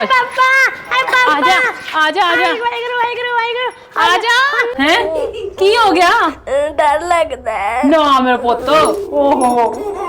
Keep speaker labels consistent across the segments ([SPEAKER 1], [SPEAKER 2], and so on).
[SPEAKER 1] पापा
[SPEAKER 2] आजा आजा आजा
[SPEAKER 1] वाहिगुरु वाहिगुरु वाहिगुरु
[SPEAKER 2] आजा हैं की हो गया
[SPEAKER 1] डर लगता है
[SPEAKER 2] ना मेरा पुੱਤ ओहो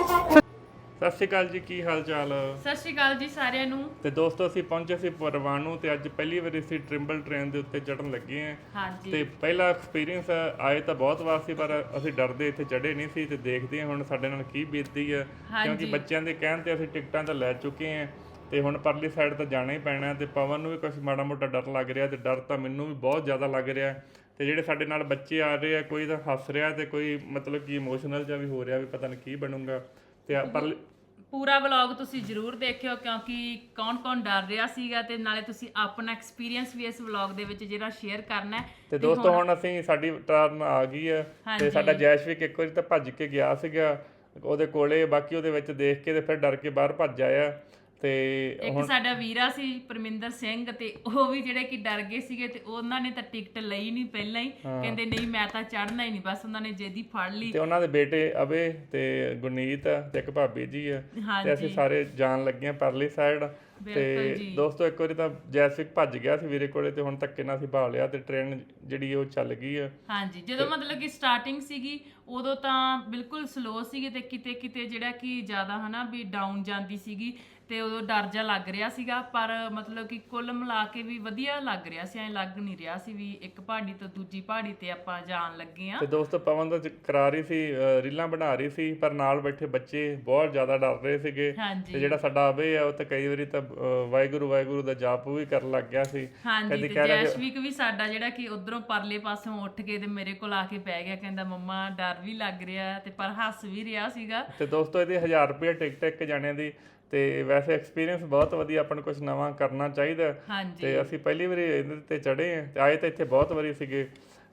[SPEAKER 3] ਸਤਿ ਸ਼੍ਰੀ ਅਕਾਲ ਜੀ, ਕੀ ਹਾਲ ਚਾਲ।
[SPEAKER 2] ਸਤਿ ਸ਼੍ਰੀ ਅਕਾਲ ਜੀ ਸਾਰਿਆਂ ਨੂੰ।
[SPEAKER 3] ਤੇ ਦੋਸਤੋ ਅਸੀਂ ਪਹੁੰਚੇ ਸੀ ਪਰਵਾਣੂ ਤੇ ਅੱਜ ਪਹਿਲੀ ਵਾਰੀ ਅਸੀਂ ਟ੍ਰਿੰਬਲ ਟ੍ਰੇਨ ਦੇ ਉੱਤੇ ਚੜਨ ਲੱਗੇ ਆਂ।
[SPEAKER 2] ਹਾਂਜੀ
[SPEAKER 3] ਤੇ ਪਹਿਲਾ ਐਕਸਪੀਰੀਅੰਸ ਆਏ ਤਾਂ ਬਹੁਤ ਵਾਰ ਸੀ, ਪਰ ਅਸੀਂ ਡਰਦੇ ਇੱਥੇ ਚੜੇ ਨਹੀਂ ਸੀ। ਤੇ ਦੇਖਦੇ ਹਾਂ ਹੁਣ ਸਾਡੇ ਨਾਲ ਕੀ ਬੀਤਦੀ ਆ, ਕਿਉਂਕਿ ਬੱਚਿਆਂ ਦੇ ਕਹਿਣ ਤੇ ਅਸੀਂ ਟਿਕਟਾਂ ਤਾਂ ਲੈ ਚੁੱਕੇ ਆਂ ਤੇ ਹੁਣ ਪਰਲੀ ਸਾਈਡ ਤਾਂ ਜਾਣਾ ਹੀ ਪੈਣਾ। ਤੇ ਪਵਨ ਨੂੰ ਵੀ ਕੁਝ ਮਾੜਾ ਮੋਟਾ ਡਰ ਲੱਗ ਰਿਹਾ ਤੇ ਡਰ ਤਾਂ ਮੈਨੂੰ ਵੀ ਬਹੁਤ ਜ਼ਿਆਦਾ ਲੱਗ ਰਿਹਾ। ਤੇ ਜਿਹੜੇ ਸਾਡੇ ਨਾਲ ਬੱਚੇ ਆ ਰਹੇ ਆ, ਕੋਈ ਤਾਂ ਹੱਸ ਰਿਹਾ ਤੇ ਕੋਈ ਮਤਲਬ ਕਿ ਇਮੋਸ਼ਨਲ ਜਿਹਾ ਵੀ ਹੋ ਰਿਹਾ ਵੀ ਪਤਾ ਨਹੀਂ ਕੀ ਬਣੂਗਾ। ਤੇ ਪਰ
[SPEAKER 2] ਪੂਰਾ ਵਲੌਗ ਤੁਸੀਂ ਜ਼ਰੂਰ ਦੇਖਿਓ, ਕਿਉਂਕਿ ਕੌਣ ਡਰ ਰਿਹਾ ਸੀਗਾ ਤੇ ਨਾਲੇ ਤੁਸੀਂ ਆਪਣਾ ਐਕਸਪੀਰੀਅੰਸ ਵੀ ਇਸ ਵਲੌਗ ਦੇ ਵਿੱਚ ਜਿਹੜਾ ਸ਼ੇਅਰ ਕਰਨਾ ਹੈ।
[SPEAKER 3] ਤੇ ਦੋਸਤੋ ਹੁਣ ਅਸੀਂ ਸਾਡੀ ਟਰਨ ਆ ਗਈ ਆ ਤੇ ਸਾਡਾ ਜੈਸ਼ਵਿਕ ਇੱਕ ਵਾਰੀ ਤਾਂ ਭੱਜ ਕੇ ਗਿਆ ਸੀਗਾ ਉਹਦੇ ਕੋਲੇ, ਬਾਕੀ ਉਹਦੇ ਵਿੱਚ ਦੇਖ ਕੇ ਤੇ ਫਿਰ ਡਰ ਕੇ ਬਾਹਰ ਭੱਜ ਆਇਆ। ਤੇ
[SPEAKER 2] ਇੱਕ ਸਾਡਾ ਵੀਰਾ ਸੀ ਪਰਮਿੰਦਰ ਸਿੰਘ, ਤੇ ਉਹ ਵੀ ਜਿਹੜੇ ਕਿ ਡਰ ਗਏ ਸੀਗੇ ਤੇ ਉਹਨਾਂ ਨੇ ਤਾਂ ਟਿਕਟ ਲਈ ਨਹੀਂ ਪਹਿਲਾਂ ਹੀ, ਕਹਿੰਦੇ ਨਹੀਂ ਮੈਂ ਤਾਂ ਚੜਨਾ ਹੀ ਨਹੀਂ, ਬਸ ਉਹਨਾਂ ਨੇ ਜੇਦੀ ਫੜ ਲਈ।
[SPEAKER 3] ਤੇ ਉਹਨਾਂ ਦੇ ਬੇਟੇ ਅਵੇ ਤੇ ਗੁਰਨੀਤ ਤੇ ਇੱਕ ਭਾਬੀ ਜੀ ਆ ਤੇ ਅਸੀਂ ਸਾਰੇ ਜਾਣ ਲੱਗੇ ਆ ਪਰਲੀ ਸਾਈਡ। ਤੇ ਦੋਸਤੋ ਇੱਕ ਵਾਰੀ ਤਾਂ ਜੈਸਵਿਕ ਭੱਜ ਗਿਆ ਸੀ ਵੀਰੇ ਕੋਲੇ ਤੇ ਹੁਣ ਧੱਕੇ ਨਾਲ ਅਸੀਂ ਭਾਲ ਲਿਆ ਤੇ ਟ੍ਰੇਨ ਜਿਹੜੀ ਉਹ ਚੱਲ ਗਈ ਆ। ਹਾਂਜੀ,
[SPEAKER 2] ਜਦੋਂ ਮਤਲਬ ਕਿ ਸਟਾਰਟਿੰਗ ਸੀਗੀ ਉਦੋਂ ਤਾਂ ਬਿਲਕੁਲ ਸਲੋ ਸੀਗੇ ਤੇ ਕਿਤੇ ਕਿਤੇ ਜਿਹੜਾ ਕਿ ਜ਼ਿਆਦਾ ਹਨਾ ਵੀ ਡਾਊਨ ਜਾਂਦੀ ਸੀਗੀ ਤੇ ਉਦੋਂ ਡਰ ਜਾ ਲੱਗ ਰਿਹਾ ਸੀਗਾ, ਪਰ ਮਤਲਬ ਕਿ ਕੁੱਲ ਮਿਲਾ ਕੇ ਵੀ ਵਧੀਆ ਲੱਗ ਰਿਹਾ ਸੀ। ਐਂ ਲੱਗ ਨਹੀਂ ਰਿਹਾ ਸੀ ਵੀ ਇੱਕ ਪਹਾੜੀ ਤੋਂ ਦੂਜੀ ਪਹਾੜੀ ਤੇ ਆਪਾਂ ਜਾਣ ਲੱਗੇ ਆ।
[SPEAKER 3] ਤੇ ਦੋਸਤੋ ਪਵਨ ਤਾਂ ਕਰਾ ਰਹੀ ਸੀ, ਰੀਲਾਂ ਬਣਾ ਰਹੀ ਸੀ, ਪਰ ਨਾਲ ਬੈਠੇ ਬੱਚੇ ਬਹੁਤ ਜ਼ਿਆਦਾ ਡਰ ਰਹੇ ਸੀਗੇ। ਤੇ ਜਿਹੜਾ ਸਾਡਾ ਅਵੇ ਆ ਉਹ ਤਾਂ ਕਈ ਵਾਰੀ ਤਾਂ ਵਾਹਿਗੁਰੂ ਵਾਹਿਗੁਰੂ ਦਾ ਜਾਪ ਵੀ ਕਰਨ ਲੱਗ ਗਿਆ ਸੀ।
[SPEAKER 2] ਹਾਂਜੀ, ਤੇ ਜੈਸ਼ਵਿਕ ਵੀ ਸਾਡਾ ਜਿਹੜਾ ਕਿ ਉਧਰੋਂ ਪਰਲੇ ਪਾਸੋਂ ਉੱਠ ਕੇ ਤੇ ਮੇਰੇ ਕੋਲ ਆ ਕੇ ਪੈ ਗਿਆ, ਕਹਿੰਦਾ ਮੰਮਾ ਡਰ ਵੀ ਲੱਗ ਰਿਹਾ ਤੇ ਪਰ ਹੱਸ ਵੀ ਰਿਹਾ ਸੀਗਾ।
[SPEAKER 3] ਤੇ ਦੋਸਤੋ ਇਹਦੀ 1000 ਰੁਪਏ ਟਿਕਟ ਇੱਕ ਜਾਣੇ ਦੀ। ਤੇ ਵੈਸੇ ਐਕਸਪੀਰੀਅੰਸ ਬਹੁਤ ਵਧੀਆ, ਆਪਾਂ ਨੂੰ ਕੁਝ ਨਵਾਂ ਕਰਨਾ ਚਾਹੀਦਾ। ਤੇ ਅਸੀਂ ਪਹਿਲੀ ਵਾਰੀ ਇਹਦੇ ਤੇ ਚੜੇ ਆ ਤੇ ਆਏ ਤਾਂ ਇੱਥੇ ਬਹੁਤ ਵਾਰੀ ਸੀਗੇ।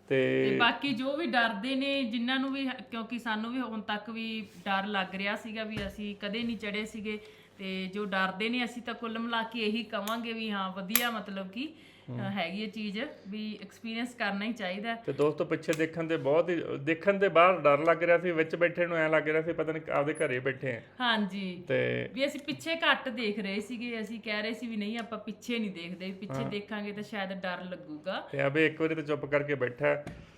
[SPEAKER 3] ਤੇ
[SPEAKER 2] ਬਾਕੀ ਜੋ ਵੀ ਡਰਦੇ ਨੇ ਜਿਨ੍ਹਾਂ ਨੂੰ ਵੀ, ਕਿਉਂਕਿ ਸਾਨੂੰ ਵੀ ਹੁਣ ਤੱਕ ਵੀ ਡਰ ਲੱਗ ਰਿਹਾ ਸੀਗਾ ਵੀ ਅਸੀਂ ਕਦੇ ਨਹੀਂ ਚੜੇ ਸੀਗੇ, ਤੇ ਜੋ ਡਰਦੇ ਨੇ ਅਸੀਂ ਤਾਂ ਕੁੱਲ ਮਿਲਾ ਕੇ ਇਹੀ ਕਵਾਂਗੇ ਵੀ ਹਾਂ ਵਧੀਆ ਮਤਲਬ ਕਿ ਹੈਗੀ ਇਹ ਚੀਜ਼ ਵੀ ਐਕਸਪੀਰੀਅੰਸ ਕਰਨਾ ਹੀ ਚਾਹੀਦਾ।
[SPEAKER 3] ਤੇ ਦੋਸਤੋ ਪਿੱਛੇ ਦੇਖਣ ਦੇ ਬਹੁਤ ਹੀ ਦੇਖਣ ਦੇ ਬਾਹਰ ਡਰ ਲੱਗ ਰਿਹਾ ਸੀ, ਵਿੱਚ ਬੈਠੇ ਨੂੰ ਐ ਲੱਗ ਰਿਹਾ ਸੀ ਪਤਾ ਨਹੀਂ ਆਪਦੇ ਘਰੇ ਬੈਠੇ ਆ।
[SPEAKER 2] ਹਾਂਜੀ,
[SPEAKER 3] ਤੇ ਵੀ
[SPEAKER 2] ਅਸੀਂ ਪਿੱਛੇ ਘੱਟ ਦੇਖ ਰਹੇ ਸੀਗੇ, ਅਸੀਂ ਕਹਿ ਰਹੇ ਸੀ ਵੀ ਨਹੀਂ ਆਪਾਂ ਪਿੱਛੇ ਨਹੀਂ ਦੇਖਦੇ, ਪਿੱਛੇ ਦੇਖਾਂਗੇ ਤਾਂ ਸ਼ਾਇਦ ਡਰ ਲੱਗੂਗਾ।
[SPEAKER 3] ਤੇ ਅਬੇ ਇੱਕ ਵਾਰੀ ਤਾਂ ਚੁੱਪ ਕਰਕੇ ਬੈਠਾ।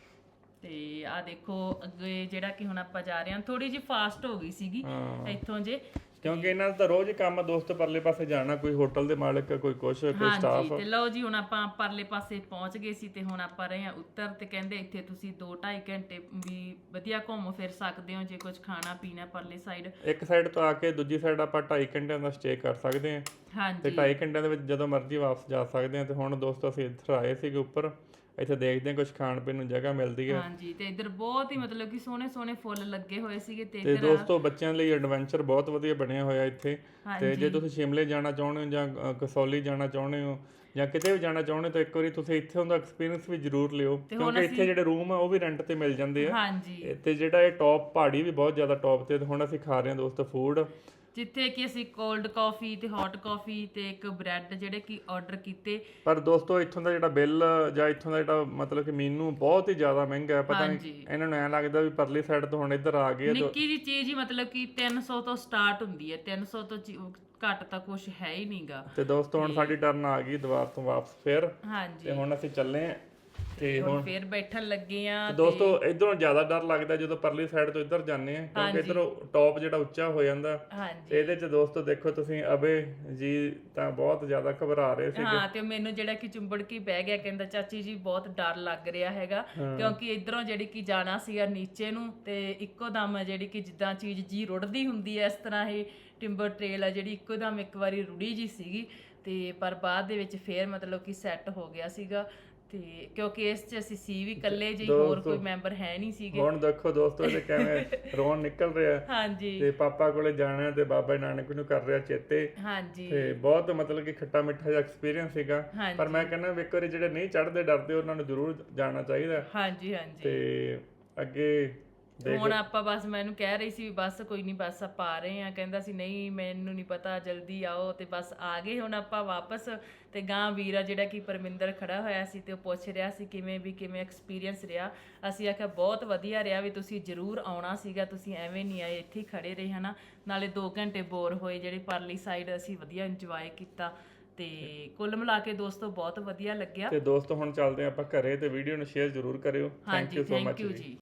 [SPEAKER 2] ਤੇ ਆ ਦੇਖੋ ਅੱਗੇ ਜਿਹੜਾ ਕਿ ਹੁਣ ਆਪਾਂ ਜਾ ਰਹੇ ਹਾਂ, ਥੋੜੀ ਜਿਹੀ ਫਾਸਟ ਹੋ ਗਈ ਸੀਗੀ ਇੱਥੋਂ ਜੇ, ਕਿਉਂਕਿ
[SPEAKER 3] ਇਹਨਾਂ ਦਾ ਤਾਂ ਰੋਜ਼ ਹੀ ਕੰਮ ਦੋਸਤ ਪਰਲੇ ਪਾਸੇ ਜਾਣਾ, ਕੋਈ ਹੋਟਲ ਦੇ ਮਾਲਕ, ਕੋਈ ਕੁਛ, ਕੋਈ ਸਟਾਫ।
[SPEAKER 2] ਤੇ ਲਓ ਜੀ ਹੁਣ ਆਪਾਂ ਪਰਲੇ ਪਾਸੇ ਪਹੁੰਚ ਗਏ ਸੀ ਤੇ ਹੁਣ ਆਪਾਂ ਰਹੇ ਆ ਉੱਤਰ, ਤੇ ਕਹਿੰਦੇ ਇੱਥੇ ਤੁਸੀਂ 2-2.5 ਘੰਟੇ ਵੀ ਵਧੀਆ ਘੁੰਮ ਫਿਰ ਸਕਦੇ ਹੋ ਜੇ ਕੁਝ ਖਾਣਾ ਪੀਣਾ ਪਰਲੇ ਸਾਈਡ। ਇੱਕ
[SPEAKER 3] ਸਾਈਡ ਤੋਂ ਆ ਕੇ ਦੂਜੀ ਸਾਈਡ ਆਪਾਂ 2.5 ਘੰਟਿਆਂ ਦਾ ਸਟੇ ਕਰ ਸਕਦੇ ਹਾਂ।
[SPEAKER 2] ਹਾਂਜੀ,
[SPEAKER 3] ਤੇ 2.5 ਘੰਟਿਆਂ ਦੇ ਵਿੱਚ ਜਦੋਂ ਮਰਜ਼ੀ ਵਾਪਸ ਜਾ ਸਕਦੇ ਹਾਂ। ਤੇ ਹੁਣ ਦੋਸਤੋ ਅਸੀਂ ਇੱਧਰ ਆਏ ਸੀਗੇ ਉੱਪਰ, ਇੱਥੇ ਦੇਖਦੇ ਹਾਂ ਕੁਝ ਖਾਣ ਪੀਣ ਨੂੰ ਜਗ੍ਹਾ ਮਿਲਦੀ ਹੈ।
[SPEAKER 2] ਹਾਂਜੀ, ਤੇ ਇੱਧਰ ਬਹੁਤ ਹੀ ਮਤਲਬ ਕਿ ਸੋਹਣੇ ਸੋਹਣੇ ਫੁੱਲ ਲੱਗੇ ਹੋਏ ਸੀਗੇ।
[SPEAKER 3] ਤੇ ਦੋਸਤੋ ਬੱਚਿਆਂ ਲਈ ਐਡਵੈਂਚਰ ਬਹੁਤ ਵਧੀਆ ਬਣਿਆ ਹੋਇਆ ਇੱਥੇ। ਤੇ ਜੇ ਤੁਸੀਂ ਸ਼ਿਮਲੇ ਜਾਣਾ ਚਾਹੁੰਦੇ ਹੋ ਜਾਂ ਕਸੌਲੀ ਜਾਣਾ ਚਾਹੁੰਦੇ ਹੋ ਜਾਂ ਕਿਤੇ ਵੀ ਜਾਣਾ ਚਾਹੁੰਦੇ ਹੋ ਤਾਂ ਇੱਕ ਵਾਰੀ ਤੁਸੀਂ ਇੱਥੋਂ ਦਾ ਐਕਸਪੀਰੀਅੰਸ ਵੀ ਜ਼ਰੂਰ ਲਿਓ, ਕਿਉਂਕਿ ਇੱਥੇ ਜਿਹੜੇ ਰੂਮ ਆ ਉਹ ਵੀ ਰੈਂਟ ਤੇ ਮਿਲ ਜਾਂਦੇ ਆ। ਤੇ ਜਿਹੜਾ ਇਹ ਟੌਪ ਪਹਾੜੀ ਵੀ ਬਹੁਤ ਜ਼ਿਆਦਾ ਟੌਪ ਤੇ ਹੁਣ ਅਸੀਂ ਖਾ ਰਹੇ ਹਾਂ ਦੋਸਤੋ ਫੂਡ, ਜਿੱਥੇ ਕਿ ਅਸੀਂ ਕੋਲਡ ਕਾਫੀ ਤੇ ਹੌਟ ਕਾਫੀ ਤੇ ਇੱਕ ਬ੍ਰੈਡ ਜਿਹੜੇ ਕਿ ਆਰਡਰ ਕੀਤੇ। ਪਰ ਦੋਸਤੋ ਇੱਥੋਂ ਦਾ ਜਿਹੜਾ ਬਿੱਲ ਜਾਂ ਇੱਥੋਂ ਦਾ ਜਿਹੜਾ ਮਤਲਬ ਕਿ ਮੀਨੂ ਬਹੁਤ ਹੀ ਜ਼ਿਆਦਾ ਮਹਿੰਗਾ ਹੈ। ਪਤਾ ਨਹੀਂ ਇਹਨਾਂ ਨੂੰ ਐਂ ਲੱਗਦਾ ਵੀ ਪਰਲੀ ਸਾਈਡ ਤੋਂ ਹੁਣ ਇੱਧਰ ਆ ਗਏ। ਨਿੱਕੀ ਜਿਹੀ ਚੀਜ਼ ਹੀ ਮਤਲਬ ਕਿ 300 ਤੋਂ ਸਟਾਰਟ ਹੁੰਦੀ ਹੈ, 300 ਤੋਂ ਘੱਟ ਤਾਂ ਕੁਝ ਹੈ ਹੀ ਨਹੀਂਗਾ। ਤੇ ਦੋਸਤੋ ਹੁਣ ਸਾਡੀ ਟਰਨ ਆ ਗਈ ਦੁਬਾਰਾ ਤੋਂ ਵਾਪਸ ਫਿਰ। ਤੇ ਹੁਣ ਅਸੀਂ ਚੱਲੇ ਆਂ ਤੇ ਹੁਣ ਫੇਰ ਬੈਠਣ ਲੱਗੇ ਆ। ਦੋਸਤੋ ਇਧਰੋਂ ਜ਼ਿਆਦਾ ਡਰ ਲੱਗਦਾ ਜਦੋਂ ਪਰਲੀ ਸਾਈਡ ਤੋਂ ਇੱਧਰ ਜਾਂਦੇ ਆ, ਕਿਉਂਕਿ ਇਧਰੋਂ ਟੌਪ ਜਿਹੜਾ ਉੱਚਾ ਹੋ ਜਾਂਦਾ। ਤੇ ਇਹਦੇ ਚ ਦੋਸਤੋ ਦੇਖੋ ਤੁਸੀਂ ਅਬੇ ਜੀ ਤਾਂ ਬਹੁਤ ਜ਼ਿਆਦਾ ਘਬਰਾ ਰਹੇ ਸੀਗੇ। ਹਾਂ, ਤੇ ਮੈਨੂੰ ਜਿਹੜਾ ਕਿ ਚੁੰਬੜ ਕੇ ਬਹਿ ਗਿਆ, ਕਹਿੰਦਾ ਚਾਚੀ ਜੀ ਬਹੁਤ ਡਰ ਲੱਗ ਰਿਹਾ ਹੈਗਾ, ਕਿਉਂਕਿ ਇਧਰੋਂ ਜਿਹੜੀ ਕਿ ਜਾਣਾ ਸੀਗਾ ਨੀਚੇ ਨੂੰ ਤੇ ਇੱਕੋ ਦਮ ਜਿਹੜੀ ਕਿ ਜਿੱਦਾਂ ਚੀਜ਼ ਜੀ ਰੁੜਦੀ ਹੁੰਦੀ ਹੈ ਇਸ ਤਰ੍ਹਾਂ ਇਹ ਟਿੰਬਰ ਟ੍ਰੇਲ ਆ ਜਿਹੜੀ ਇੱਕੋ ਦਮ ਇੱਕ ਵਾਰੀ ਰੁੜੀ ਜੀ ਸੀਗੀ। ਤੇ ਪਰ ਬਾਅਦ ਦੇ ਵਿੱਚ ਫੇਰ ਮਤਲਬ ਕਿ ਸੈੱਟ ਹੋ ਗਿਆ ਸੀਗਾ। ਤੇ ਕਿਉਂਕਿ ਇਸ 'ਚ ਅਸੀਂ ਸੀ ਵੀ ਇਕੱਲੇ ਜੀ, ਹੋਰ ਕੋਈ ਮੈਂਬਰ ਹੈ ਨਹੀਂ ਸੀਗੇ। ਹੁਣ ਦੇਖੋ ਦੋਸਤੋ ਇਹਦੇ ਕਿਵੇਂ ਰੋਣ ਨਿਕਲ ਰਿਹਾ। ਹਾਂਜੀ, ਤੇ ਪਾਪਾ ਕੋਲੇ ਜਾਣਾ ਤੇ ਬਾਬਾ ਨਾਨਕ ਨੂੰ ਕਰ ਰਿਹਾ ਚੇਤੇ। ਹਾਂਜੀ, ਤੇ ਬਹੁਤ ਮਤਲਬ ਕਿ ਖੱਟਾ ਮਿੱਠਾ ਜਿਹਾ ਐਕਸਪੀਰੀਅੰਸ ਸੀਗਾ। ਪਰ ਮੈਂ ਕਹਿੰਦਾ ਇੱਕ ਵਾਰੀ ਜਿਹੜੇ ਨਹੀਂ ਚੜ੍ਹਦੇ ਡਰਦੇ ਉਹਨਾਂ ਨੂੰ ਜ਼ਰੂਰ ਜਾਣਾ ਚਾਹੀਦਾ। ਹਾਂਜੀ ਹਾਂਜੀ, ਤੇ ਅੱਗੇ ਹੁਣ ਆਪਾਂ ਬਸ ਮੈਨੂੰ ਕਹਿ ਰਹੀ ਸੀ ਵੀ ਬਸ ਕੋਈ ਨਹੀਂ ਬਸ ਆਪਾਂ ਆ ਰਹੇ ਆ, ਕਹਿੰਦਾ ਸੀ ਨਹੀਂ ਮੈਨੂੰ ਨਹੀਂ ਪਤਾ ਜਲਦੀ ਆਓ, ਤੇ ਬਸ ਆ ਗਏ ਹੁਣ ਆਪਾਂ ਵਾਪਸ। ਤੇ ਗਾਂ ਵੀਰਾ ਜਿਹੜਾ ਕਿ ਪਰਮਿੰਦਰ ਖੜਾ ਹੋਇਆ ਸੀ ਤੇ ਉਹ ਪੁੱਛ ਰਿਹਾ ਸੀ ਕਿਵੇਂ ਐਕਸਪੀਰੀਅੰਸ ਰਿਹਾ। ਅਸੀਂ ਆਖਿਆ ਬਹੁਤ ਵਧੀਆ ਰਿਹਾ, ਵੀ ਤੁਸੀਂ ਜ਼ਰੂਰ ਆਉਣਾ ਸੀਗਾ, ਤੁਸੀਂ ਐਵੇਂ ਨਹੀਂ ਆਏ ਇੱਥੇ ਖੜੇ ਰਹੇ ਹਨਾ, ਨਾਲੇ 2 ਘੰਟੇ ਬੋਰ ਹੋਏ। ਜਿਹੜੇ ਪਰਲੀ ਸਾਈਡ ਅਸੀਂ ਵਧੀਆ ਇੰਜੋਏ ਕੀਤਾ।
[SPEAKER 2] ਤੇ ਕੁੱਲ ਮਿਲਾ ਕੇ ਦੋਸਤੋ ਬਹੁਤ ਵਧੀਆ ਲੱਗਿਆ।
[SPEAKER 3] ਤੇ ਦੋਸਤੋ ਹੁਣ ਚੱਲਦੇ ਆਪਾਂ ਘਰੇ, ਤੇ ਵੀਡੀਓ ਨੂੰ ਸ਼ੇਅਰ ਜ਼ਰੂਰ ਕਰਿਓ। ਥੈਂਕ ਯੂ ਸੋ ਮਚ
[SPEAKER 2] ਜੀ।